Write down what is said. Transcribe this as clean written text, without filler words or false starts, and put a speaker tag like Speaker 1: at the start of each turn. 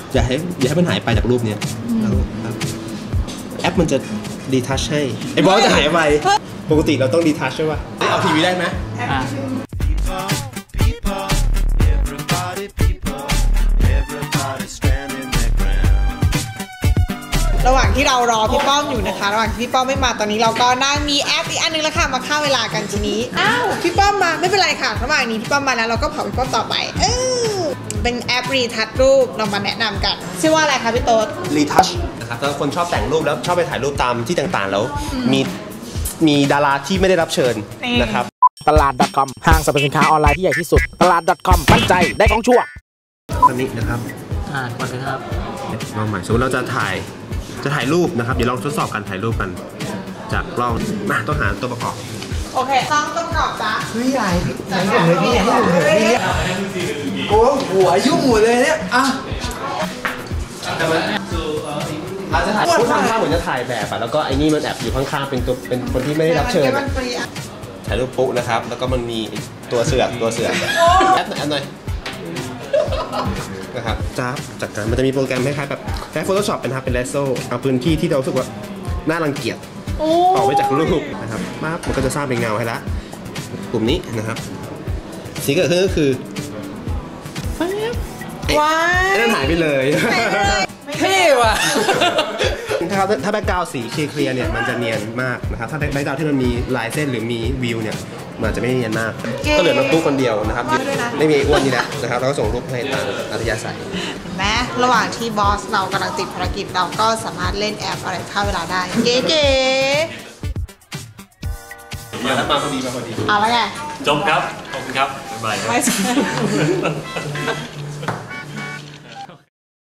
Speaker 1: อย่าให้มันหายไปจากรูปเนี้ยแอปมันจะดีทัชให้ไอ้บอสจะหายไปปกติเราต้องดีทัชใช่ป่ะเอาทีวีได้ไหม
Speaker 2: ระหว่างที่เรารอพี่ป้อมอยู่นะคะระหว่างที่พี่ป้อมไม่มาตอนนี้เราก็นั่งมีแอปอีกอันนึงแล้วค่ะมาฆ่าเวลากันทีนี้อ้าวพี่ป้อมมาไม่เป็นไรค่ะระหว่างนี้พี่ป้อมมาแล้วเราก็เผาพี่ป้อมต่อไปเป็นแอปรีทัชรูปเรามาแนะนำกันชื่อว่าอะไรคะพี่โต๊ด
Speaker 1: รีทัชนะครับถ้าคนชอบแต่งรูปแล้วชอบไปถ่ายรูปตามที่ต่างๆแล้วมีดาราที่ไม่ได้รับเชิญนะครับ
Speaker 3: ตลาด .com ห้างสรรพสินค้าออนไลน์ที่ใหญ่ที่สุดตลาด .com มั่นใจได้ของชั่ว
Speaker 1: ตอนนี้นะครับ
Speaker 3: ก่อนนะครับ
Speaker 1: ลองใหม่สมมติเราจะถ่ายรูปนะครับเดี๋ยวลองทดสอบการถ่ายรูปกันจากกล้องมาต้องหาตัวประกอบ
Speaker 2: โอเคต้องประกอบจ้ะ
Speaker 4: พี่ใหญ่ผมเลยพี่ให้ผมเลยพี่โอ้หัวยุ่งหมดเลยเนี่ยอ่ะ
Speaker 1: เราจะถ่ายพูดทำท่าเหมือนจะถ่ายแบบอะแล้วก็ไอ้นี่มันแอบอยู่ข้างๆเป็นคนที่ไม่ได้รับเชิญถ่ายรูปปุ๊นะครับแล้วก็มันมีตัวเสือกแอปหน่อยนะครับจากการมันจะมีโปรแกรมคล้ายๆแบบแค่ Photoshop เป็นเลโซเอาพื้นที่ที่เรารู้สึกว่าน่ารังเกียจออกไปจากรูปนะครับมันก็จะสร้างเป็นเงาให้ละกลุ่มนี้นะครับสิ่งที่เกิดขึ้นก็คือ
Speaker 2: ว้าว
Speaker 1: นั่นหายไปเลย
Speaker 3: เท่ว่ะ
Speaker 1: ถ้าแบ็คกราวด์สีเคลียร์เนี่ยมันจะเนียนมากนะครับถ้าแบ็คกราวด์ที่มันมีลายเส้นหรือมีวิวเนี่ยมันจะไม่เนียนมากก็เหลือน้องตู้คนเดียวนะครับไม่มีอ้วนนี่แหละนะครับเราก็ส่งรูปให้ตามอัธยาศัย
Speaker 2: แม้ระหว่างที่บอสเรากำลังติดภารกิจเราก็สามารถเล่นแอปอะไรฆ่าเวลาได้เก๋
Speaker 1: มาพอดี
Speaker 2: เอาละไง
Speaker 5: จบครับขอบคุณครับบ๊ายบาย